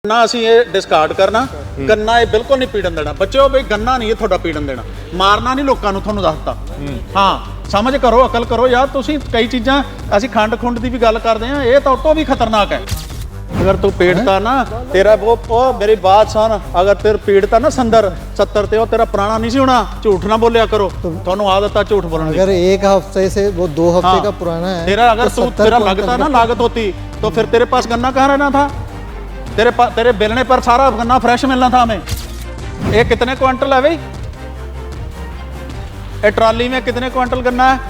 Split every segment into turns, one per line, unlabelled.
गन्ना असीं ये डिस्कार्ड करना गन्ना ये बिल्कुल नहीं पीड़न देना बच्चों बई गन्ना नहीं ये थोड़ा पीड़न देना मारना नहीं लोगों नूं तुहानूं दसता हाँ समझ करो अकल करो यार तुसीं कई चीज़ां असीं खंड खुंड की भी गल करते हैं ये तो उतों भी खतरनाक है। अगर तू पीड़ता ना तेरा वो मेरी बात सुन अगर तेरे पीड़ता ना संदर 70 ते तेरा पुराना नहीं सी होना झूठ ना बोलिया करो तुहानूं आदत है झूठ बोलने की।
अगर एक हफ्ते से वो 2 हफ्ते का पुराना है
तेरा अगर तू तेरा लगता ना लागत होती तो फिर तेरे पास गन्ना कहाँ रहना था तेरे बेलने पर सारा गन्ना फ्रेश मिलना था हमें। ये कितने क्विंटल है भाई ये ट्रॉली में कितने क्विंटल गन्ना है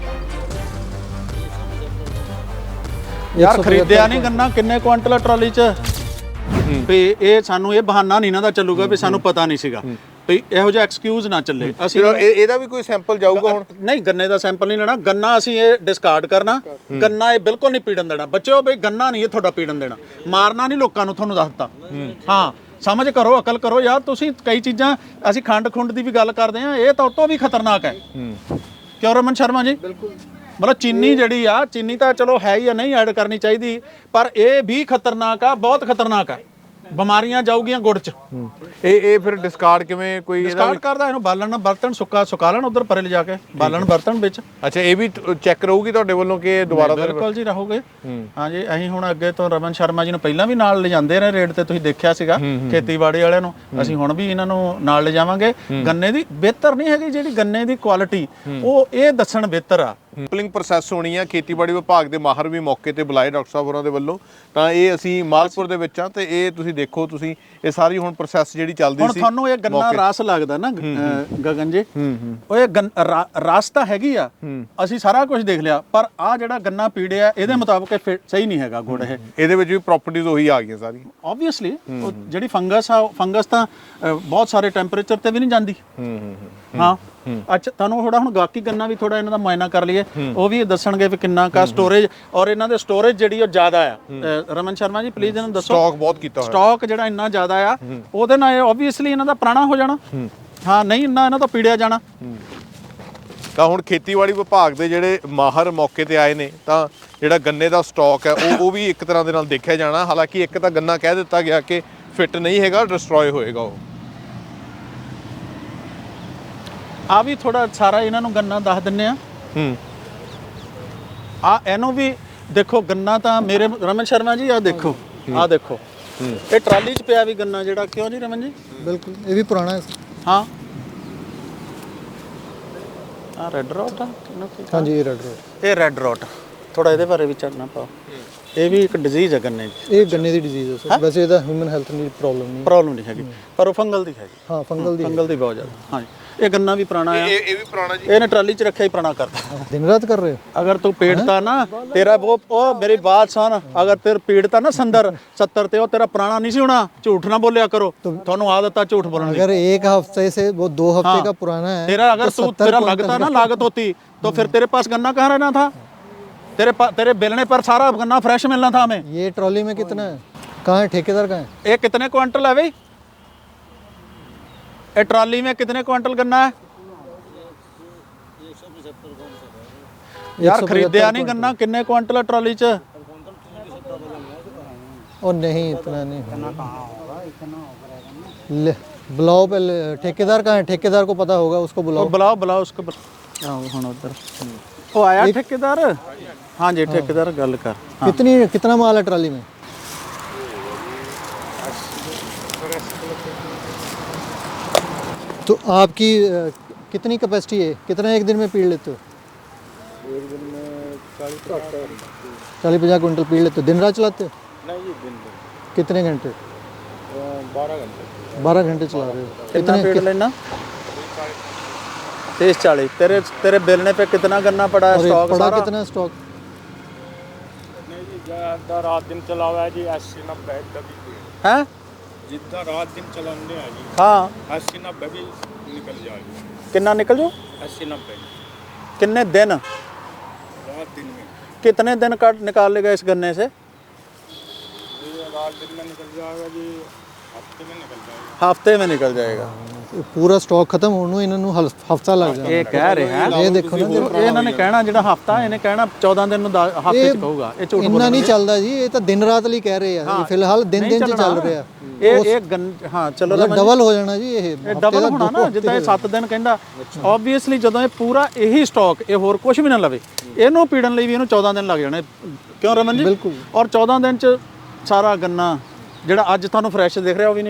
यार खरीदया नहीं गन्ना किन्ने क्विंटल है ट्रॉली च भी ये सानू ये बहाना नहीं ना चलूगा भी सानू पता नहीं सीगा भी ਇਹੋ ਜਿਹਾ ਐਕਸਕਿਊਜ਼ ਨਾ ਚੱਲੇ ਅਸੀਂ
ਇਹਦਾ ਵੀ ਕੋਈ ਸੈਂਪਲ ਜਾਊਗਾ ਹੁਣ
ਨਹੀਂ ਗੰਨੇ ਦਾ ਸੈਂਪਲ ਨਹੀਂ ਲੈਣਾ ਗੰਨਾ ਅਸੀਂ ਇਹ ਡਿਸਕਾਰਡ ਕਰਨਾ ਗੰਨਾ ਇਹ ਬਿਲਕੁਲ ਨਹੀਂ ਪੀੜਨ ਦੇਣਾ ਬੱਚਿਓ ਬਈ ਗੰਨਾ ਨਹੀਂ ਇਹ ਤੁਹਾਡਾ ਪੀੜਨ ਦੇਣਾ ਮਾਰਨਾ ਨਹੀਂ ਲੋਕਾਂ ਨੂੰ ਤੁਹਾਨੂੰ ਦੱਸਤਾ ਹਾਂ ਸਮਝ ਕਰੋ ਅਕਲ ਕਰੋ ਯਾਰ ਤੁਸੀਂ ਕਈ ਚੀਜ਼ਾਂ ਅਸੀਂ ਖੰਡ ਖੁੰਡ ਦੀ ਵੀ ਗੱਲ ਕਰਦੇ ਆ ਇਹ ਤਾਂ ਉਤੋਂ ਵੀ ਖਤਰਨਾਕ ਹੈ ਕਿਉਂ ਰਮਨ ਸ਼ਰਮਾ ਜੀ ਬਿਲਕੁਲ मतलब चीनी जी आ चीनी तो चलो है ही नहीं ऐड करनी चाहिए पर यह भी खतरनाक है बहुत खतरनाक है बीमारियां जाऊगियां गुड़ च
फिर डिस्कार्ड किवें कोई
डिस्कार्ड करदा इहनूं बालन बर्तन सुका लेण उधर परे ले जाके बालन बर्तन विच।
अच्छा ये भी चेक रहूगी तुहाडे वल्लों कि दोबारा
बिल्कुल जी रहोगे हाँ जी असीं हुण अगे तो रमन शर्मा जी नूं पहिलां भी नाल ले जांदे रहे रेट ते तुसीं देखिया सीगा खेतीबाड़ी वालिआं नूं असीं हुण भी इन्हां नूं नाल ले जावांगे गन्ने दी बेहतर नहीं हैगी जिहड़ी गन्ने दी क्वालिटी ਉਹ ਇਹ ਦੱਸਣ ਬਿਹਤਰ ਆ
ਸੈਂਪਲਿੰਗ ਪ੍ਰੋਸੈਸ ਹੋਣੀ ਆ ਖੇਤੀਬਾੜੀ ਵਿਭਾਗ ਦੇ ਮਾਹਰ ਵੀ ਮੌਕੇ ਤੇ ਬੁਲਾਏ ਡਾਕਟਰ ਸਾਹਿਬ ਹੋਰਾਂ ਦੇ ਵੱਲੋਂ ਤਾਂ ਇਹ ਅਸੀਂ ਮਾਲਪੁਰ ਦੇ ਵਿੱਚ ਆ ਤੇ ਇਹ ਤੁਸੀਂ ਦੇਖੋ ਤੁਸੀਂ ਇਹ ਸਾਰੀ ਹੁਣ ਪ੍ਰੋਸੈਸ ਜਿਹੜੀ ਚੱਲਦੀ ਸੀ
ਹੁਣ ਤੁਹਾਨੂੰ ਇਹ ਗੰਨਾ ਰਸ ਲੱਗਦਾ ਨਾ ਗਗਨ ਜੀ ਉਹ ਇਹ ਰਸ ਤਾਂ ਹੈਗੀ ਆ ਅਸੀਂ ਸਾਰਾ ਕੁਝ ਦੇਖ ਲਿਆ ਪਰ ਆ ਜਿਹੜਾ ਗੰਨਾ ਪੀੜਿਆ ਇਹਦੇ ਮੁਤਾਬਕ ਸਹੀ ਨਹੀਂ ਹੈਗਾ ਗੁੜ
ਇਹਦੇ ਵਿੱਚ ਵੀ ਪ੍ਰੋਪਰਟੀਜ਼ ਉਹੀ ਆ ਗਈਆਂ ਸਾਰੀਆਂ
ਆਬਵੀਅਸਲੀ ਜਿਹੜੀ ਫੰਗਸ ਆ ਫੰਗਸ ਤਾਂ ਬਹੁਤ ਸਾਰੇ ਟੈਂਪਰੇਚਰ ਤੇ ਵੀ ਨਹੀਂ ਜਾਂਦੀ ਹਾਂ ਅੱਛਾ ਤੁਹਾਨੂੰ ਥੋੜਾ ਹੁਣ ਗਾਕੀ ਗੰਨਾ ਵੀ ਥੋੜਾ ਇਹਨਾਂ ਦਾ ਮੁਆਇਨਾ ਕਰ ਲਈਏ ਉਹ ਵੀ ਦੱਸਣਗੇ ਵੀ ਕਿੰਨਾ ਕਾ ਸਟੋਰੇਜ ਔਰ ਇਹਨਾਂ ਦੇ ਸਟੋਰੇਜ ਜਿਹੜੀ ਉਹ ਜ਼ਿਆਦਾ ਆ ਰਮਨ ਸ਼ਰਮਾ ਜੀ ਪਲੀਜ਼ ਇਹਨਾਂ ਦੱਸੋ
ਸਟਾਕ ਬਹੁਤ ਕੀਤਾ ਹੋਇਆ
ਸਟਾਕ ਜਿਹੜਾ ਇੰਨਾ ਜ਼ਿਆਦਾ ਆ ਉਹਦੇ ਨਾਲ ਆਬਵੀਅਸਲੀ ਇਹਨਾਂ ਦਾ ਪੁਰਾਣਾ ਹੋ ਜਾਣਾ ਹਾਂ ਨਹੀਂ ਇੰਨਾ ਇਹਨਾਂ ਤੋਂ ਪੀੜਿਆ ਜਾਣਾ।
ਤਾਂ ਹੁਣ ਖੇਤੀਬਾੜੀ ਵਿਭਾਗ ਦੇ ਜਿਹੜੇ ਮਾਹਰ ਮੌਕੇ ਤੇ ਆਏ ਨੇ ਤਾਂ ਜਿਹੜਾ ਗੰਨੇ ਦਾ ਸਟਾਕ ਹੈ ਉਹ ਵੀ ਇੱਕ ਤਰ੍ਹਾਂ ਦੇ ਨਾਲ ਦੇਖਿਆ ਜਾਣਾ ਹਾਲਾਂਕਿ ਇੱਕ ਤਾਂ ਗੰਨਾ ਕਹਿ ਦਿੱਤਾ ਗਿਆ ਕਿ ਫਿੱਟ ਨਹੀਂ ਹੈਗਾ ਡਿਸਟਰੋਏ ਹੋਏਗਾ ਉਹ ਆ ਵੀ ਥੋੜਾ ਸਾਰਾ ਇਹਨਾਂ ਨੂੰ ਗੰਨਾ ਦੱਸ ਦਿੰਨੇ ਆ ਆ ਇਹਨੂੰ ਵੀ ਦੇਖੋ ਗੰਨਾ ਤਾਂ ਮੇਰੇ ਰਮਨ ਸ਼ਰਮਾ ਜੀ ਆ ਦੇਖੋ ਇਹ ਟਰਾਲੀ 'ਚ ਪਿਆ ਵੀ ਗੰਨਾ ਜਿਹੜਾ ਕਿਉਂ ਜੀ ਰਮਨ ਜੀ
बिल्कुल ये भी पुराना है
ਹਾਂ ਆ ਰੈੱਡ ਰੋਟ ਆ
हाँ जी ये रेड रोड
ਇਹ ਰੈੱਡ ਰੋਟ ਥੋੜਾ ਇਹਦੇ ਬਾਰੇ ਵੀ ਚਾਨਣਾ ਪਾਓ ਇਹ ਵੀ ਇੱਕ ਡਿਜ਼ੀਜ਼ ਹੈ ਗੰਨੇ ਦੀ
ये गन्ने की डिजीज है सर वैसे ਇਹਦਾ ਹਿਊਮਨ ਹੈਲਥ ਦੀ
ਪ੍ਰੋਬਲਮ ਨਹੀਂ ਹੈਗੀ ਪਰ ਉਹ ਫੰਗਲ ਦੀ ਹੈਗੀ
हाँ फंगल
ਦੀ ਬਹੁਤ ਜ਼ਿਆਦਾ ਹਾਂ ਇਹ ਗੰਨਾ ਵੀ ਪੁਰਾਣਾ ਆ
ਇਹ ਵੀ ਪੁਰਾਣਾ ਜੀ
ਇਹਨੇ ਟਰਾਲੀ 'ਚ ਰੱਖਿਆ ਹੀ ਪੁਰਾਣਾ ਕਰਤਾ
दिन रात कर रहे हो
अगर तू पीड़ता ना तेरा वो मेरी बात सुन अगर तेरे पीड़ता ना संदर 70 ते तेरा पुराना नहीं सी होना झूठ ना बोलिया करो तुहानूं आदत है झूठ बोलने की।
अगर एक हफ्ते से वो 2 हफ्ते का पुराना है
तेरा अगर तू तेरा लगता ना लागत होती तो फिर तेरे पास गन्ना कहाँ रहना था तेरे बेलने पर सारा गन्ना फ्रेश मिलना था हमें।
ये ट्रॉली में कितना है कहाँ है ठेकेदार कहाँ है
ये कितने क्विंटल है भाई ये ट्रॉली में कितने क्विंटल गन्ना है यार खरीदया नहीं गन्ना किन्ने क्विंटल है ट्रॉली च
और नहीं इतना नहीं ले बुलाओ पहले ठेकेदार कहाँ है ठेकेदार को पता होगा उसको बुलाओ
बुलाओ उसको हुण उधर ओ आया ठेकेदार हाँ जी ठेकेदार गल कर
कितना माल है ट्रॉली में तो आपकी कितनी कैपेसिटी है कितना एक दिन में पीड़ लेते हो
एक दिन में
40-50 क्विंटल पीड़ लेते हो दिन रात चलाते हो
नहीं ये दिन
कितने घंटे
12 घंटे
12 घंटे चला रहे हो
कितना पेड़ लेना 30-40 तेरे बेलने पे कितना गन्ना पड़ा है स्टॉक
पड़ा
सारा
कितना स्टॉक
नहीं जी ज़्यादा रात दिन चला हुआ है जी 80-90 कभी
हैं
जितना रात दिन चलाने है जी
हाँ
80-90 भी निकल जाएगी
कितना निकल जो
80-90
कितने दिन
रात दिन में
कितने दिन का निकाल लेगा इस गन्ने से
ये रात दिन में निकल जाएगा जी
ਹਫਤੇ में निकल जाएगा।
पूरा स्टॉक खत्म होने ਨੂੰ ਇਹਨਾਂ ਨੂੰ ਹਫਤਾ ਲੱਗ ਜਾਣਾ।
ਇਹ ਕਹਿ ਰਿਹਾ
ਇਹ ਦੇਖੋ ਨਾ
ਇਹ ਇਹਨਾਂ ਨੇ ਕਹਿਣਾ ਜਿਹੜਾ ਹਫਤਾ ਇਹਨੇ ਕਹਿਣਾ 14 ਦਿਨ ਨੂੰ ਹਫਤੇ ਚ ਕਹੂਗਾ। ਇਹ ਝੂਠ
ਇੰਨਾ ਨਹੀਂ ਚੱਲਦਾ ਜੀ, ਇਹ ਤਾਂ ਦਿਨ ਰਾਤ ਲਈ ਕਹਿ ਰਹੇ ਆ। ਇਹ ਫਿਲਹਾਲ ਦਿਨ ਚ ਚੱਲ ਰਿਹਾ।
ਇਹ ਹਾਂ ਚਲੋ
ਡਬਲ ਹੋ ਜਾਣਾ ਜੀ। ਇਹ
ਡਬਲ ਹੋਣਾ ਨਾ, ਜਿੱਦਾਂ ਇਹ 7 ਦਿਨ ਕਹਿੰਦਾ ਆਬਵੀਅਸਲੀ ਜਦੋਂ ਇਹ ਪੂਰਾ ਇਹੀ ਸਟਾਕ ਇਹ ਹੋਰ ਕੁਝ ਵੀ ਨਾ ਲਵੇ ਇਹਨੂੰ ਪੀੜਨ ਲਈ ਵੀ ਇਹਨੂੰ 14 ਦਿਨ ਲੱਗ ਜਾਣੇ। ਕਿਉਂ ਰਮਨ ਜੀ?
ਬਿਲਕੁਲ।
ਔਰ 14 ਦਿਨ ਚ ਸਾਰਾ ਗੰਨਾ ਜਿਹੜਾ ਅੱਜ ਤੁਹਾਨੂੰ ਫਰੈਸ਼ ਦਿਖ ਰਿਹਾ ਉਹ ਵੀ ਨਹੀਂ